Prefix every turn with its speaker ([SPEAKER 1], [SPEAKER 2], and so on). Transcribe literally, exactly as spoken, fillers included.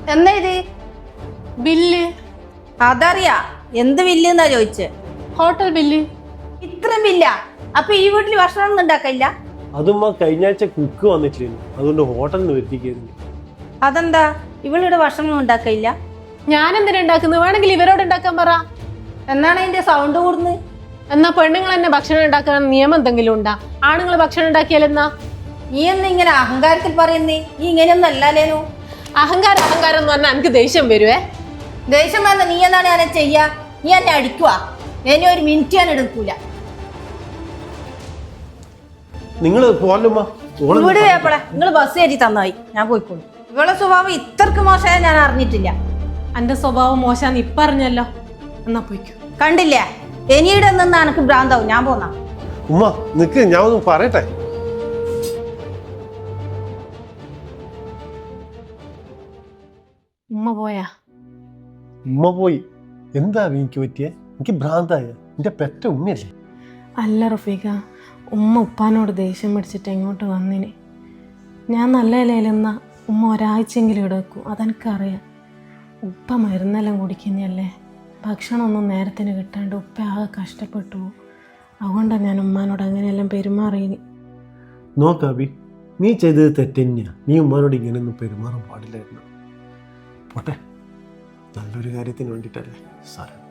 [SPEAKER 1] എന്നാ ഇത്
[SPEAKER 2] ബില്ല്?
[SPEAKER 1] അതറിയാ, എന്ത് ബില്ല് എന്നാ ചോദിച്ചേ?
[SPEAKER 2] Hotel bill.
[SPEAKER 1] ഇത്രയും ബില്ല? അപ്പൊ ഈ വീട്ടിൽ ഭക്ഷണം ഒന്നും ഉണ്ടാക്കില്ല?
[SPEAKER 3] അതും കഴിഞ്ഞ ആഴ്ച കുക്ക് വന്നിട്ടില്ല, അതുകൊണ്ട് ഹോട്ടലിൽ നിന്ന് വരുത്തിക്കായിരുന്നു.
[SPEAKER 1] അതെന്താ ഇവളിവിടെ ഭക്ഷണം ഒന്നും ഉണ്ടാക്കില്ല?
[SPEAKER 2] ഞാൻ എന്തിനാ ഉണ്ടാക്കുന്നത്? വേണമെങ്കിൽ ഇവരോട് ഉണ്ടാക്കാൻ പറ.
[SPEAKER 1] എന്നാണ് അതിന്റെ സൗണ്ട് കൂടുന്നത്?
[SPEAKER 2] എന്നാ പെണ്ണുങ്ങൾ തന്നെ ഭക്ഷണം ഉണ്ടാക്കാൻ നിയമം എന്തെങ്കിലും ഉണ്ടാ? ആണുങ്ങൾ ഭക്ഷണം ഉണ്ടാക്കിയാലെന്നാ?
[SPEAKER 1] നീ എന്ന് ഇങ്ങനെ അഹങ്കാരത്തിൽ പറയുന്നേ? നീ ഇങ്ങനെയൊന്നും അല്ലാലേനു.
[SPEAKER 2] അഹങ്കാരം അഹങ്കാരം എന്ന് പറഞ്ഞാൽ എനിക്ക് ദേഷ്യം വരുവേ.
[SPEAKER 1] ദേഷ്യം വന്ന നീ എന്താണ് ഞാൻ ചെയ്യാ? നീ എന്നെ അടിക്കുവാ? ഇനി ഒരു മിനിറ്റ് ഞാൻ എടുക്കൂല.
[SPEAKER 3] നിങ്ങള് പോലുമ്മ
[SPEAKER 1] ഇവിടെ വേപ്പളെ നിങ്ങൾ ബസ് കയറ്റി തന്നായി, ഞാൻ പോയിക്കോളൂ. ഇവളെ സ്വഭാവം ഇത്രക്ക് മോശമായ ഞാൻ അറിഞ്ഞിട്ടില്ല.
[SPEAKER 2] എന്റെ സ്വഭാവം മോശാന്ന് ഇപ്പൊ അറിഞ്ഞല്ലോ. എന്നാ പോയിക്കോ.
[SPEAKER 1] കണ്ടില്ലേ, ഇനിയുടെ നിന്ന് എനക്ക് ഭ്രാന്താവും. ഞാൻ പോന്നാ.
[SPEAKER 3] ഉമ്മ നിക്ക്, ഞാൻ ഒന്ന് പറയട്ടെ.
[SPEAKER 2] ഉമ്മ പോയാ?
[SPEAKER 3] ഉമ്മ പോയി. എന്താ എനിക്ക് പറ്റിയേ? എനിക്ക് ഭ്രാന്തായ? എന്റെ പെറ്റ ഉമ്മയല്ലേ?
[SPEAKER 2] അല്ല റഫീഖ, ഉമ്മ ഉപ്പാനോട് ദേഷ്യം പിടിച്ചിട്ട് എങ്ങോട്ട് വന്നിന്. ഞാൻ നല്ല ഇലയിലെന്നാ ഉമ്മ ഒരാഴ്ചയെങ്കിലും ഇവിടെ വെക്കും, അതെനിക്കറിയാം. ഉപ്പ മരുന്നെല്ലാം കുടിക്കുന്നതല്ലേ, ഭക്ഷണമൊന്നും നേരത്തിന് കിട്ടാണ്ട് ഉപ്പ ആകെ കഷ്ടപ്പെട്ടു. അതുകൊണ്ടാണ് ഞാൻ ഉമ്മാനോട് അങ്ങനെയെല്ലാം പെരുമാറിയിന്.
[SPEAKER 3] നോക്കാബി, നീ ചെയ്തത് തെറ്റന്നെയാ. നീ ഉമ്മാനോട് ഇങ്ങനെയൊന്നും പെരുമാറാൻ പാടില്ലായിരുന്നു. പോട്ടെ, നല്ലൊരു കാര്യത്തിന് വേണ്ടിയിട്ടല്ലേ സാരം.